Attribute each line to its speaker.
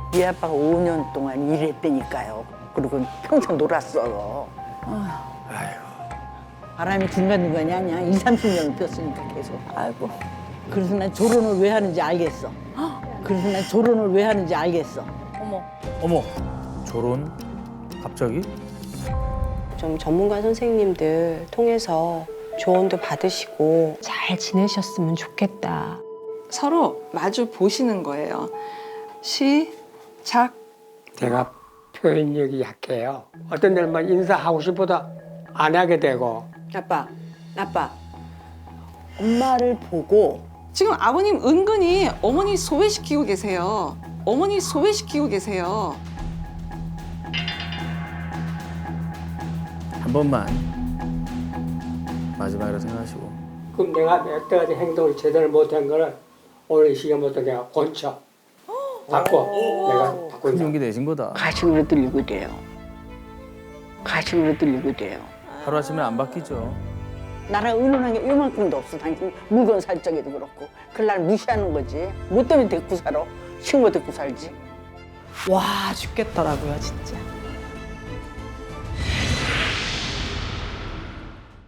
Speaker 1: 네 아빠가 5년 동안 일했다니까요. 그리고 평생 놀았어요.
Speaker 2: 아이고.
Speaker 1: 바람이 중간중간이 아니야. 20, 30년을 폈으니까 계속. 아이고. 그래서 난 결혼을 왜 하는지 알겠어. 그래서 난 결혼을 왜 하는지 알겠어.
Speaker 2: 어머. 결혼? 갑자기?
Speaker 3: 좀 전문가 선생님들 통해서 조언도 받으시고 잘 지내셨으면 좋겠다.
Speaker 4: 서로 마주 보시는 거예요. 시작.
Speaker 5: 제가 표현력이 약해요. 어떤 데는 인사하고 싶어도 안 하게 되고.
Speaker 3: 아빠,
Speaker 1: 엄마를 보고
Speaker 4: 지금 아버님 은근히 어머니 소외시키고 계세요. 어머니 소외시키고 계세요.
Speaker 2: 한 번만 마지막이라 생각하시고.
Speaker 5: 그럼 내가 여태까지 행동을 제대로 못한 거는 오늘 이 시간부터 내가 고쳐. 내가
Speaker 2: 큰
Speaker 5: 바꾼다.
Speaker 2: 용기 내신 거다.
Speaker 1: 가식으로 들리고 돼요. 가식으로 들리고 돼요.
Speaker 2: 하루아침에 안 바뀌죠.
Speaker 1: 나랑 의논한 게 요만큼도 없어. 당신 물건 살 적에도 그렇고. 그걸 날 무시하는 거지. 뭐 때문에 데리고 살아? 친구 데리고 살지.
Speaker 6: 와 죽겠더라고요 진짜.